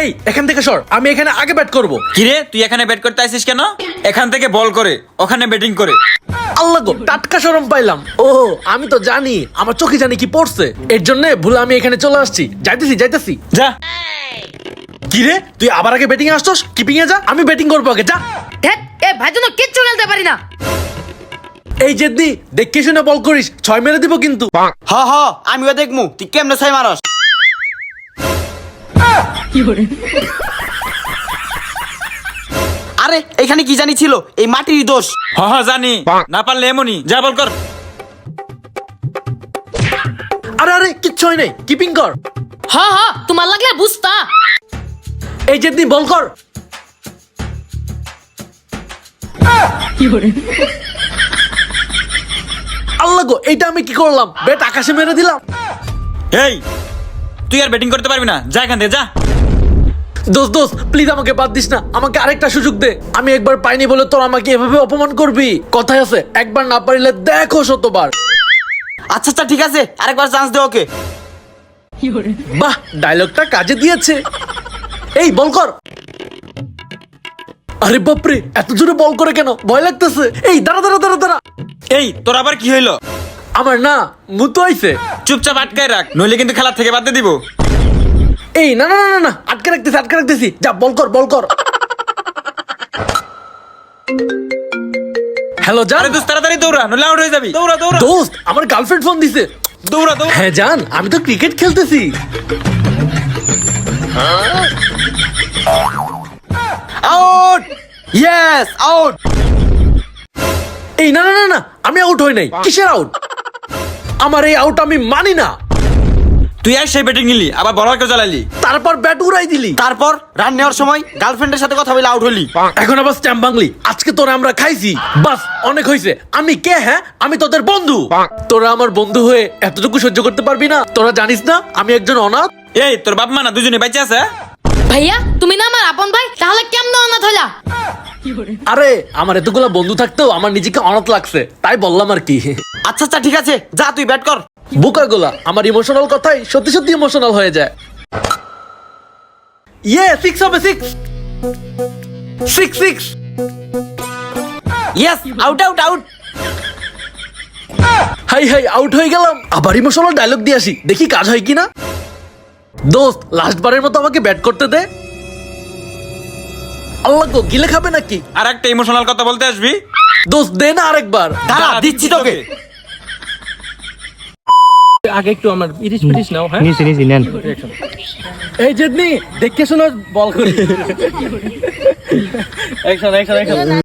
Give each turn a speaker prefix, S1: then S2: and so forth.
S1: এই এখান থেকে সর, আমি এখানে আগে ব্যাট করব।
S2: কিরে তুই এখানে ব্যাট করতে আসিস কেন? এখান থেকে বল করে ওখানে ব্যাটিং করে।
S1: আল্লাহ গো, টাটকা শরম পাইলাম। ও আমি তো জানি, আমার চোখে জানি কি পড়ছে, এর জন্য ভুলে আমি এখানে চলে আসছি। যাইতেছি
S2: যা।
S1: কিরে তুই আবার আগে ব্যাটিং এ আসছস, কিপিং এ যা, আমি ব্যাটিং করবো আগে, যা।
S3: ধ্যাৎ, এ ভাই জন্য কিচ্ছু খেলতে পারি না।
S1: এই জেদ্দি, দেখে শুনে বল করিস, 6 মেরে দিব কিন্তু।
S4: হ হ আমিও দেখমু তুই কেমনে ছয় মারস। আরে এখানে কি জানি ছিল, এই মাটির দোষ।
S2: হ জানি, না পারলে এমনই, যা বল কর।
S1: আরে কিচ্ছু হয় নাই, কিপিং কর।
S3: তোমার লাগলে বুঝতা।
S1: এই জেদ্দি বল কর। আল্লাহ গো, এইটা আমি কি করলাম, ব্যাট আকাশে মেরে দিলাম।
S2: এই তুই আর ব্যাটিং করতে পারবি না, যা এখান থেকে যা।
S1: দোস্ত প্লিজ আমাকে বাদ দিস না, আমাকে আরেকটা সুযোগ দে। আমি একবার পাইনি বলে তোর আমাকে এভাবে অপমান করবি? কথায় আছে, একবার না পারিলে দেখো শতবার।
S4: আচ্ছা ঠিক আছে, আরেকবার চান্স দে ওকে।
S1: বাহ, ডায়লগটা কাজে দিয়েছে। এই বল কর। আরে বাপরে, এত জোরে বল করে কেন, ভয় লাগতেছে। এই দাঁড়া।
S2: এই তোর আবার কি হইলো?
S1: আমার না মুতো আইছে।
S2: চুপচাপ আটকায় রাখ, নইলে কিন্তু খেলা থেকে বাদ দিয়ে দিব।
S1: এই না, আটকে রাখতেছি। যা বল কর। হ্যালো জান।
S2: আরে দোস্ত তাড়াতাড়ি দৌড়া, নইলে আউট হয়ে যাবি। দৌড়া
S1: দোস্ত, আমার গার্লফ্রেন্ড ফোন দিছে।
S2: দৌড়া।
S1: হ্যাঁ জান, আমি তো ক্রিকেট খেলতেছি।
S4: Out, yes out.
S1: এই না, আমি আউট হই নাই। কিসের আউট? আমার এই আউট আমি মানি না।
S2: তুই আর সেই ব্যাটিং নিলি, আবার বলারকে জ্বালালি।
S1: তারপর ব্যাট উড়াই দিলি।
S4: তারপর রান নেওয়ার সময় গার্লফ্রেন্ডের সাথে কথা বলে আউট হলি।
S1: এখন আবার স্ট্যাম্প বাংলি। আজকে তোরা আমরা খাইছি, বাস অনেক হয়েছে। আমি কে? হ্যাঁ, আমি তোদের বন্ধু। তোরা আমার বন্ধু হয়ে এতটুকু সহ্য করতে পারবি না? তোরা জানিস না আমি একজন অনাথ?
S2: এই তোর বাপ মা না দুজনে বেঁচে আছে?
S3: ভাইয়া তুমি না আমার আপন ভাই, তাহলে কেমন অনাথ হইলা?
S1: আরে আমার এতগুলা বন্ধু থাকতেও আমার নিজেকে অনাথ লাগছে, তাই বললাম আর কি।
S4: আচ্ছা ঠিক আছে, যা তুই ব্যাট কর।
S1: বোকাগুলা আমার ইমোশনাল কথাই সত্যি ইমোশনাল হয়ে যায়। সিক্স হবে, সিক্স।
S4: Yes out.
S1: হাই আউট হয়ে গেলাম। আবার ইমোশনাল ডায়লগ দিয়ে আসি, দেখি কাজ হয় কিনা। দোস্ত লাস্ট বারের মতো আমাকে ব্যাট করতে দে। আল্লাহ গো, গিলে খাবে নাকি?
S2: আর একটা ইমোশনাল কথা বলতে আসবি?
S1: দোস্ত দে না আরেকবার।
S4: দাঁড়া দিচ্ছি তোকে।
S5: আগে একটু আমার ইরিশ পিরিশ নাও। হ্যাঁ
S6: নিছি নেন।
S5: এই জেদনি দেখে শোনো বল করি। অ্যাকশন